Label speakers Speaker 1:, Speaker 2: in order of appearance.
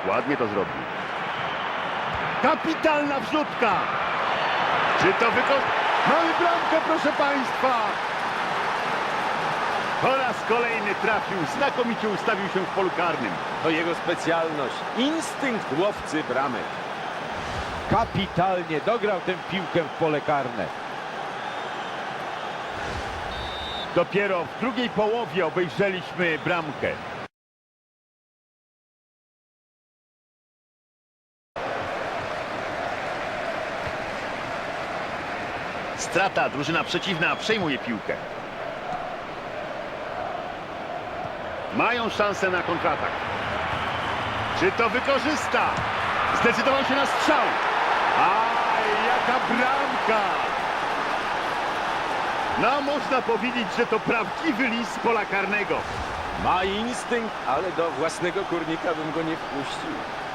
Speaker 1: Ładnie to zrobił. Kapitalna wrzutka! Czy to Mamy bramkę, proszę państwa! Po raz kolejny trafił, znakomicie ustawił się w polu karnym.
Speaker 2: To jego specjalność. Instynkt łowcy bramek. Kapitalnie dograł tę piłkę w pole karne.
Speaker 1: Dopiero w drugiej połowie obejrzeliśmy bramkę. Strata, drużyna przeciwna przejmuje piłkę. Mają szansę na kontratak. Czy to wykorzysta? Zdecydował się na strzał. Aj, jaka bramka! No, można powiedzieć, że to prawdziwy lis z pola karnego.
Speaker 2: Ma instynkt, ale do własnego kurnika bym go nie wpuścił.